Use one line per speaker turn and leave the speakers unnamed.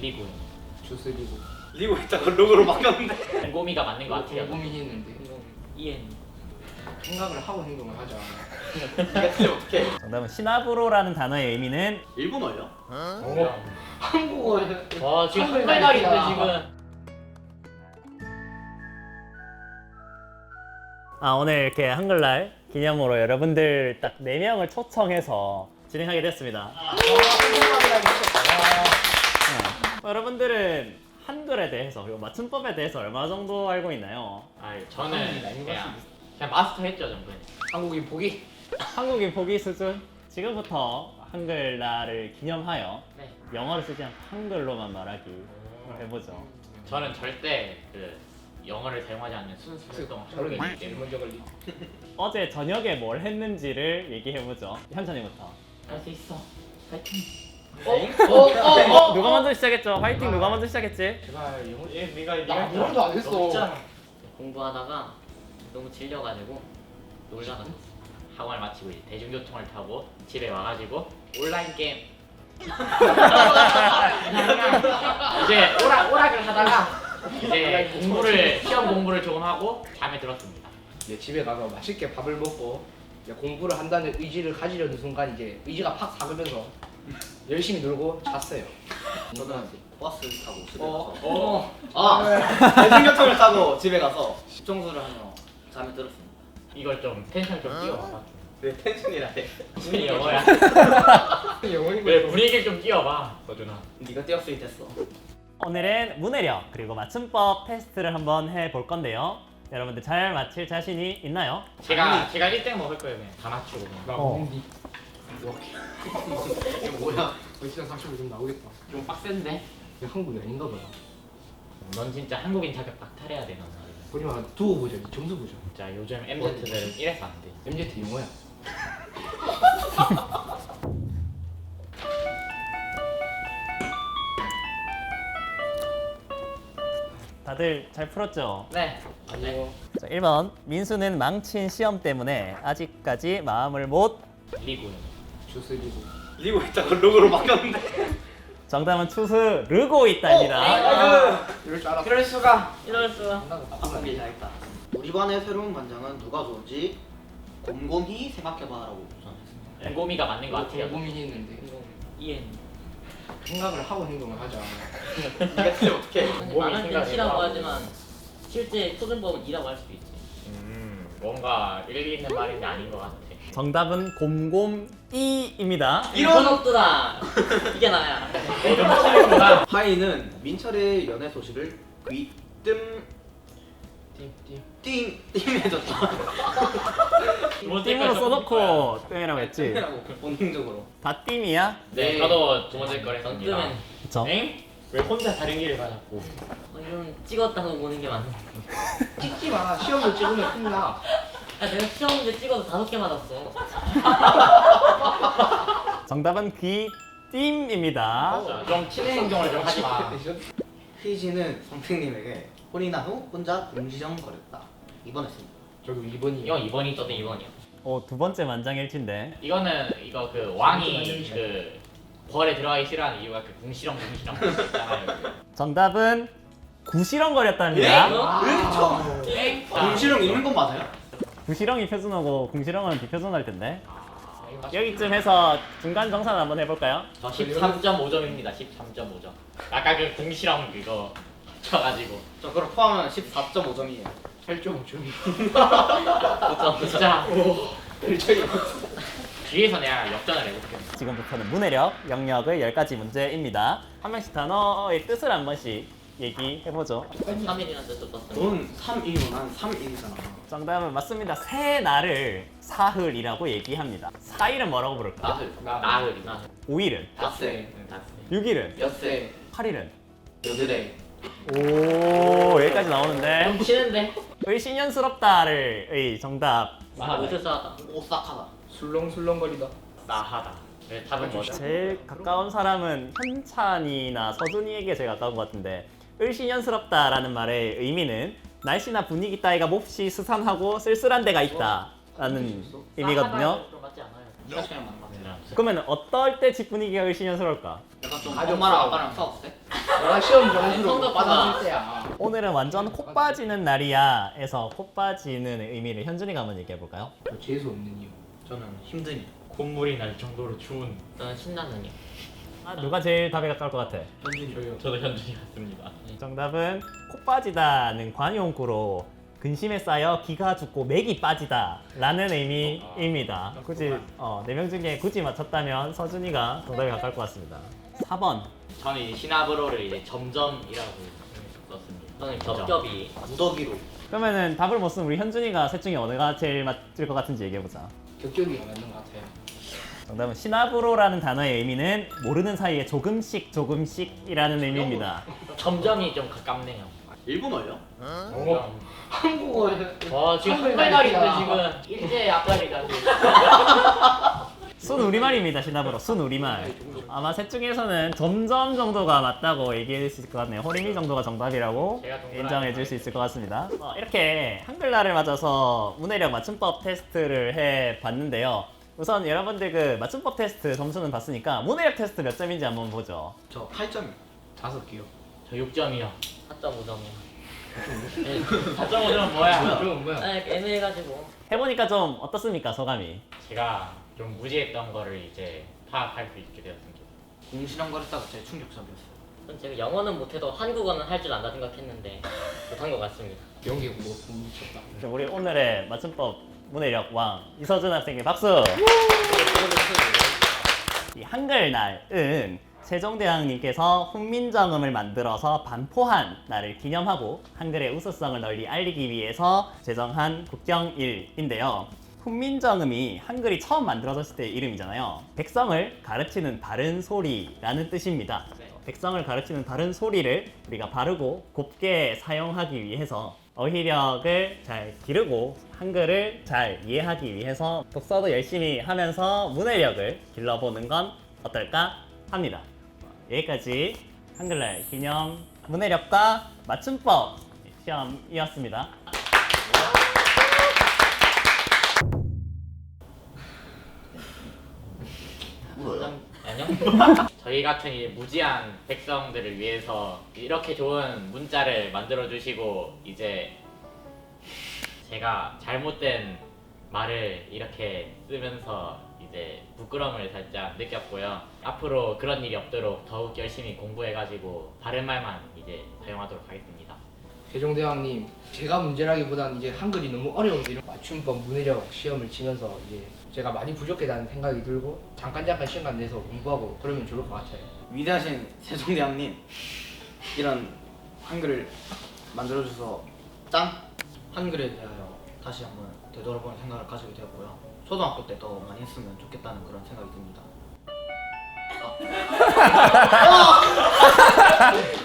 리군.
주스 리고.
리고 했다가 로고로 바뀌었는데.
곰곰이가 맞는 것 같아요.
고민했는데
이엔.
생각을 하고 행동을 하자.
이게 틀리면 어떡해.
정답은 시나브로라는 단어의 의미는
일본어예요?
한국어.
와 지금
한글
한글날인데
날이다.
지금.
오늘 이렇게 한글날 기념으로 여러분들 딱 4명을 초청해서 진행하게 됐습니다. 여러분들은 한글에 대해서 그리고 맞춤법에 대해서 얼마 정도 알고 있나요?
저는 그냥 마스터했죠 정도는.
한국인 보기.
한국인 보기 수준? 지금부터 한글날을 기념하여
네.
영어를 쓰지 않고 한글로만 말하기 해보죠.
저는 절대 그 영어를 사용하지 않는 순수 활동을 하고
저런
있기 때문에
먼저 걸리.
어제 저녁에 뭘 했는지를 얘기해보죠. 현찬이부터.
할 수 있어. 파이팅.
누가 먼저 시작했죠? 화이팅 누가 먼저 시작했지?
제발 영어.
네가
나 아무것도 안 했어.
공부하다가 너무 질려가지고 놀다가 학원을 마치고 이제 대중교통을 타고 집에 와가지고 온라인 게임 이제 오락을 하다가 이제 시험 공부를 조금 하고 잠에 들었습니다.
이제 집에 가서 맛있게 밥을 먹고 이제 공부를 한다는 의지를 가지려는 순간 이제 의지가 팍 사그면서 열심히 놀고 잤어요.
저는 버스 타고 집에
어.
가서 대중교통을 타고 집에 가서 집청소를 하며 잠에 들었습니다.
이걸 좀 텐션 좀 띄워봐.
왜 텐션이라해?
분위기 영어야.
영어인
왜 분위기를 좀 띄워봐, 서준아.
네가 띄었으니 됐어.
오늘은 문해력 그리고 맞춤법 테스트를 한번 해볼 건데요. 여러분들 잘 맞힐 자신이 있나요?
제가 1등 먹을 거예요, 그냥 다 맞추고 그냥.
나
어.
먹는디.
이게 뭐야?
시장 45 좀 나오겠다.
좀 빡센데?
이게 한국이 아닌가 봐요.
넌 진짜 한국인 자격 박탈해야 돼, 넌 말이야.
우리만 두고 보자. 점수 보자.
진짜 요즘 MZ들은 이래서 안 돼.
MZ 영어야.
다들 잘 풀었죠?
네.
아니요.
자, 1번 민수는 망친 시험 때문에 아직까지 마음을 못.
리군.
주스 리고.
리고 했다가 로고로 바뀌었는데.
정답은 투수 르고 있다입니다.
이럴 줄 알았어.
이럴 수가. 이럴 수가.
바꾸기 잘했다. 우리 반의 새로운 반장은 누가 좋을지 곰곰이 생각해봐라고 추천했습니다.
곰곰이가 맞는 것 같아요.
고민했는데
이엔.
생각을 하고 행동을 하자.
이게 틀리면 어떡해.
몸이
말할 땐
생각이
T라고
나고.
하지만 실제 표준법은 E라고 할 수도 있지.
뭔가 일리 있는 말인데 아닌 것 같아.
정답은 곰곰이입니다.
이런 없더라. 이게 나야.
좀 틀리구나.
하이는 민철의 연애 소식을 귀뜸 띵해줬다.
띵으로 써놓고 땡이라고 했지.
라고 본능적으로.
다 띵이야?
네, 저도 두 번째 걸 했습니다.
어쩌면
그쵸?
엥? 왜 혼자 다른 길을 가 자꾸?
이건 찍었다고 보는 게 맞네.
찍지 마. 시험을 찍으면 큰일 나.
내가 시험 문제 찍어서 5개 맞았어.
정답은 귀띵입니다.
자, 좀 친해 행동을 좀 하지 마.
휘지는 선생님에게 혼인한 후 혼자 궁시렁거렸다. 입원했습니다.
저도 2번이요.
이건 2번이 저도 2번이요.
두 번째 만장일치인데.
이거는 이거 그 왕이 그 벌에 들어가기 싫어하는 이유가 그 궁시렁 있잖아요.
정답은 구시렁거렸답니다.
엥?
궁시렁 있는 건 맞아요?
구시렁이 표준어고 궁시렁은 비표준어일 텐데. 여기쯤 해서 중간 정산 한번 해볼까요?
저 13.5점입니다. 13.5점. 아까 그 궁시렁 그거 쳐가지고
저 그럼 포함하면 14.5점이에요.
8.5점.
진짜 뒤에서 내가 역전을 해볼게.
지금부터는 문해력, 영역의 10가지 문제입니다. 한 명씩 단어의 뜻을 한 번씩 얘기해보죠.
3일이나 뜯었어.
넌 3일이고 난 3일이잖아.
정답은 맞습니다. 새 날을 사흘이라고 얘기합니다. 4일은 뭐라고 부를까?
나흘.
나흘.
5일은?
닷새.
6일은?
엿새.
8일은?
여드레.
오, 여기까지 나오는데.
좀 치는데?
의신연스럽다를 의 정답.
못을 쌓았다.
오싹하다.
술렁술렁거리다.
나하다. 네, 답은 뭐죠?
제일 가까운 사람은 현찬이나 서준이에게 제일 가까운 것 같은데, 을신연스럽다라는 말의 의미는 날씨나 분위기 따위가 몹시 스산하고 쓸쓸한 데가 있다라는 의미거든요.
나하다는 좀 맞지 않아요?
네가 그냥 맞는 거 같아.
그러면 어떨 때 집 분위기가 을신연스러울까?
약간 좀 엄마랑 아빠랑 싸웠을 때?
내가 시험 점수를 못
성적표가.
받았을 때야.
오늘은 완전 코 빠지는 날이야에서 코 빠지는 의미를 현준이가 한번 얘기해 볼까요?
재수 없는 이유.
저는 힘드니.
콧물이 날 정도로 추운.
저는 신나는요.
아, 누가 제일 답에 가까울 것 같아?
현준이.
저도 현준이 같습니다.
정답은 코 빠지다는 관용구로 근심에 쌓여 기가 죽고 맥이 빠지다라는 의미입니다. 굳이 4명 중에 굳이 맞췄다면 서준이가 정답에 가까울 것 같습니다. 4번.
저는 이제 시나브로를 이제 점점이라고 썼습니다.
저는 겹겹이.
무더기로.
그러면은 답을 못 쓴 우리 현준이가 셋 중에 어느가 제일 맞을 것 같은지 얘기해 보자.
격격이가 맞는 것 같아요.
정답은 시나브로라는 단어의 의미는 모르는 사이에 조금씩이라는 의미입니다.
점점이 좀 가깝네요.
일본어요?
한국어.
와 지금
한글
한글날인데 지금 일제 앞날이가지고.
순 우리말입니다. 시나브로 순 우리말. 아마 셋 중에서는 점점 정도가 맞다고 얘기해 줄 수 있을 것 같네요. 호리미 정도가 정답이라고
제가 동그라미
인정해 줄 수 있을 것 같습니다. 이렇게 한글날을 맞아서 문해력 맞춤법 테스트를 해 봤는데요. 우선 여러분들 그 맞춤법 테스트 점수는 봤으니까 문해력 테스트 몇 점인지 한번 보죠.
저 8점.
5개요.
저 6점이요.
4.5점이요.
4.5점은 뭐야?
그럼 뭐야?
네, 애매해가지고.
해보니까 좀 어떻습니까 소감이?
제가 좀 무지했던 거를 이제 파악할 수 있게 되었습니다.
공시렁거렸다가 제 충격적이었어요.
전 제가 영어는 못해도 한국어는 할 줄 안다 생각했는데 못한 것 같습니다.
연기 뭐 미쳤다.
그럼 우리 오늘의 맞춤법 문해력 왕 이서준 학생의 박수! 이 한글날은 세종대왕님께서 훈민정음을 만들어서 반포한 날을 기념하고 한글의 우수성을 널리 알리기 위해서 제정한 국경일인데요. 훈민정음이 한글이 처음 만들어졌을 때의 이름이잖아요. 백성을 가르치는 바른 소리라는 뜻입니다. 백성을 가르치는 바른 소리를 우리가 바르고 곱게 사용하기 위해서 어휘력을 잘 기르고 한글을 잘 이해하기 위해서 독서도 열심히 하면서 문해력을 길러보는 건 어떨까 합니다. 여기까지 한글날 기념 문해력과 맞춤법 시험이었습니다.
울어요?
아니요. 저희 같은 이 무지한 백성들을 위해서 이렇게 좋은 문자를 만들어 주시고 이제 제가 잘못된 말을 이렇게 쓰면서 이제 부끄러움을 살짝 느꼈고요. 앞으로 그런 일이 없도록 더욱 열심히 공부해가지고 바른 말만 이제 사용하도록 하겠습니다.
세종대왕님, 제가 문제라기보다는 이제 한글이 너무 어려운데 이런 맞춤법 문해력 시험을 치면서 이제 제가 많이 부족하다는 생각이 들고 잠깐 시간 내서 공부하고 그러면 좋을 것 같아요.
위대하신 세종대왕님, 이런 한글을 만들어줘서 짱! 한글에 대하여 다시 한번 되돌아보는 생각을 가지게 되었고요. 초등학교 때 더 많이 했으면 좋겠다는 그런 생각이 듭니다.